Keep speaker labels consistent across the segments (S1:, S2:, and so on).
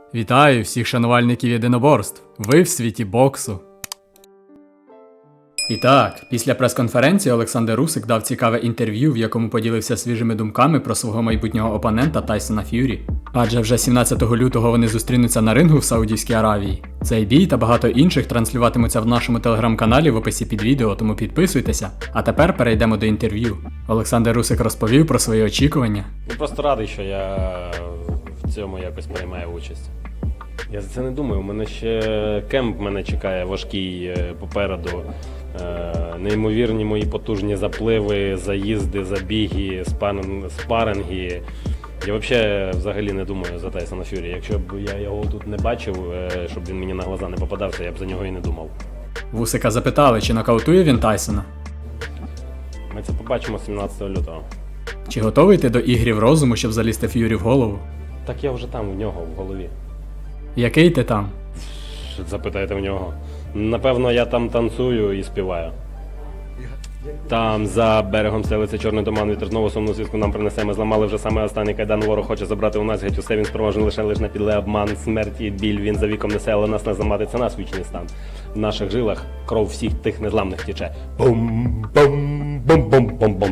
S1: Вітаю всіх шанувальників єдиноборств. Ви в світі боксу. І так, після прес-конференції Олександр Русик дав цікаве інтерв'ю, в якому поділився свіжими думками про свого майбутнього опонента Тайсона Ф'юрі. Адже вже 17 лютого вони зустрінуться на рингу в Саудівській Аравії. Цей бій та багато інших транслюватимуться в нашому телеграм-каналі в описі під відео, тому підписуйтеся. А тепер перейдемо до інтерв'ю. Олександр Русик розповів про свої очікування.
S2: Я просто радий, що я в цьому якось приймаю участь. Я за це не думаю, у мене ще кемп мене чекає важкий попереду. Неймовірні мої потужні запливи, заїзди, забіги, спаринги. Я взагалі не думаю за Тайсона Ф'юрі. Якщо б я його тут не бачив, щоб він мені на глаза не попадався, я б за нього і не думав.
S1: Вусика запитали, чи нокаутує він Тайсона.
S2: Ми це побачимо 17 лютого.
S1: Чи готовий ти до ігрів розуму, щоб залізти Ф'юрі в голову?
S2: Так я вже там в нього в голові.
S1: Який ти там?
S2: Запитайте в нього. Напевно, я там танцюю і співаю. Там за берегом селиться чорний туман, вітер знову сумну звістку нам принесе. Ми зламали вже саме останній кайдан, ворог хоче забрати у нас геть усе, він спроможний лише на підле обман, смерть і біль, він за віком несе, але нас не зламати, це наш вічний стан. В наших жилах кров всіх тих незламних тече. Бум-бум-бум-бум-бум-бум.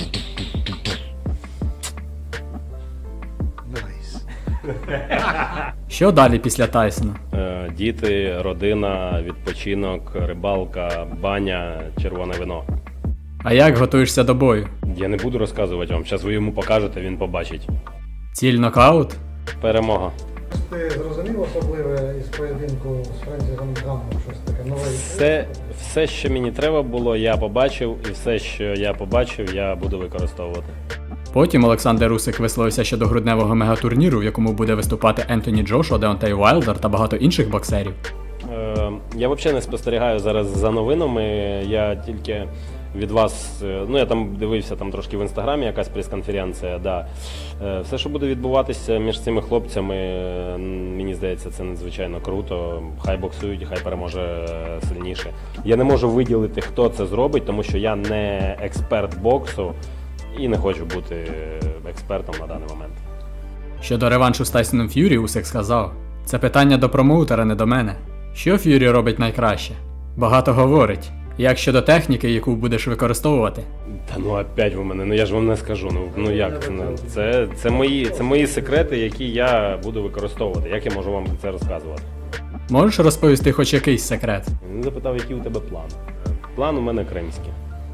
S1: Що далі після Тайсона?
S2: Діти, родина, відпочинок, рибалка, баня, червоне вино.
S1: А як готуєшся до бою?
S2: Я не буду розказувати вам, зараз ви йому покажете, він побачить.
S1: Ціль нокаут?
S2: Перемога.
S3: Ти зрозумів особливе із поєдинку з Френсісом Ганом, щось таке нове?
S2: Все, що мені треба було, я побачив, і все, що я побачив, я буду використовувати.
S1: Потім Олександр Русик висловився щодо грудневого мегатурніру, в якому буде виступати Ентоні Джошуа, Деонтей Уайлдер та багато інших боксерів.
S2: Я взагалі не спостерігаю зараз за новинами, я тільки від вас, я там дивився там трошки в інстаграмі, якась прес-конференція, да. Все, що буде відбуватися між цими хлопцями, мені здається, це надзвичайно круто. Хай боксують, хай переможе сильніше. Я не можу виділити, хто це зробить, тому що я не експерт боксу і не хочу бути експертом на даний момент.
S1: Щодо реваншу з Тайсоном Ф'юрі, Усик сказав: "Це питання до промоутера, не до мене. Що Ф'юрі робить найкраще? Багато говорить. Як щодо техніки, яку будеш використовувати?"
S2: Та опять ви мене, я ж вам не скажу. Як це? Це мої секрети, які я буду використовувати. Як я можу вам це розказувати?
S1: Можеш розповісти хоч якийсь секрет?
S2: Він запитав, який у тебе план. План у мене кримський.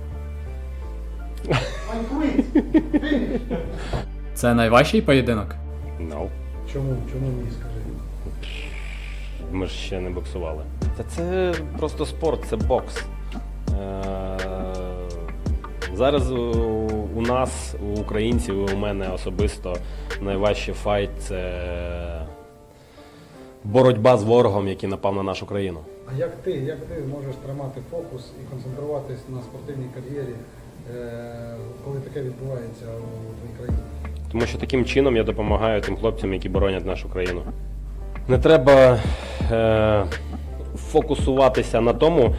S1: Це найважчий поєдинок?
S2: No.
S3: Чому ні, скажи?
S2: Ми ж ще не боксували. Це просто спорт, це бокс. Зараз у нас, у українців, у мене особисто найважчий файт – це боротьба з ворогом, який напав на нашу країну.
S3: А як ти можеш тримати фокус і концентруватись на спортивній кар'єрі, коли таке відбувається у твоїй країні?
S2: Тому що таким чином я допомагаю тим хлопцям, які боронять нашу країну. Не треба фокусуватися на тому,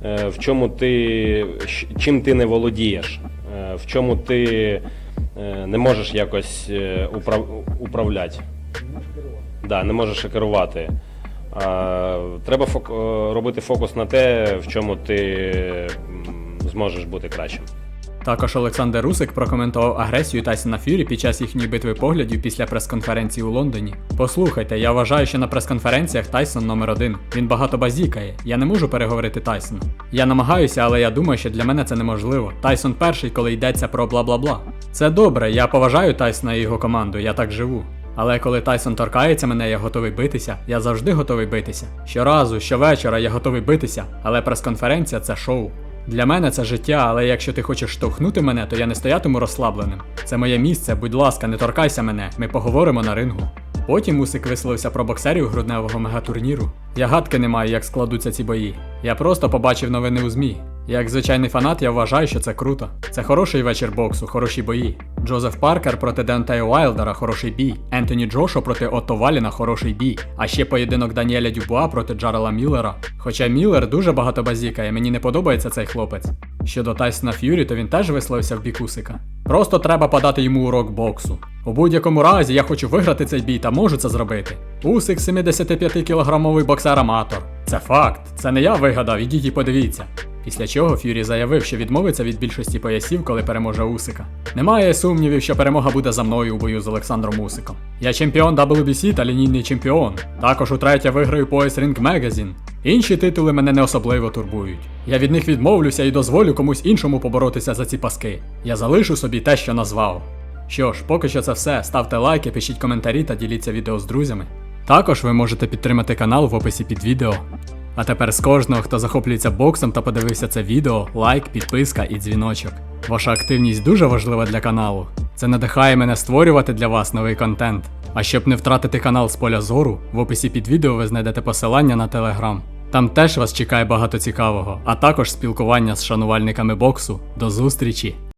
S2: чим ти не володієш, в чому ти не можеш якось управляти. Не можеш керувати. Треба робити фокус на те, в чому ти зможеш бути кращим.
S1: Також Олександр Русик прокоментував агресію Тайсона Ф'юрі під час їхньої битви поглядів після прес-конференції у Лондоні. Послухайте, я вважаю, що на прес-конференціях Тайсон номер 1. Він багато базікає. Я не можу переговорити Тайсона. Я намагаюся, але я думаю, що для мене це неможливо. Тайсон перший, коли йдеться про бла-бла-бла. Це добре, я поважаю Тайсона і його команду, я так живу. Але коли Тайсон торкається мене, я готовий битися. Я завжди готовий битися. Щоразу, щовечора я готовий битися, але прес-конференція – це шоу. Для мене це життя, але якщо ти хочеш штовхнути мене, то я не стоятиму розслабленим. Це моє місце, будь ласка, не торкайся мене, ми поговоримо на рингу. Потім Усик висловився про боксерів грудневого мегатурніру. Я гадки не маю, як складуться ці бої. Я просто побачив новини у ЗМІ. Як звичайний фанат, я вважаю, що це круто. Це хороший вечір боксу, хороші бої. Джозеф Паркер проти Деонтея Уайлдера – хороший бій. Ентоні Джошуа проти Отто Валіна – хороший бій. А ще поєдинок Даніеля Дюбуа проти Джарела Міллера. Хоча Міллер дуже багато базікає, мені не подобається цей хлопець. Щодо Тайсона Ф'юрі, то він теж висловився в бік Усика. Просто треба подати йому урок боксу. У будь-якому разі я хочу виграти цей бій та можу це зробити. Усик 75-кілограмовий боксер-аматор. Це факт, це не я вигадав, ідіть і подивіться. Після чого Ф'юрі заявив, що відмовиться від більшості поясів, коли переможе Усика. Немає сумнівів, що перемога буде за мною у бою з Олександром Усиком. Я чемпіон WBC та лінійний чемпіон. Також утретє виграю пояс Ring Magazine. Інші титули мене не особливо турбують. Я від них відмовлюся і дозволю комусь іншому поборотися за ці паски. Я залишу собі те, що назвав. Що ж, поки що це все. Ставте лайки, пишіть коментарі та діліться відео з друзями. Також ви можете підтримати канал в описі під відео. А тепер з кожного, хто захоплюється боксом та подивився це відео, лайк, підписка і дзвіночок. Ваша активність дуже важлива для каналу. Це надихає мене створювати для вас новий контент. А щоб не втратити канал з поля зору, в описі під відео ви знайдете посилання на Telegram. Там теж вас чекає багато цікавого, а також спілкування з шанувальниками боксу. До зустрічі!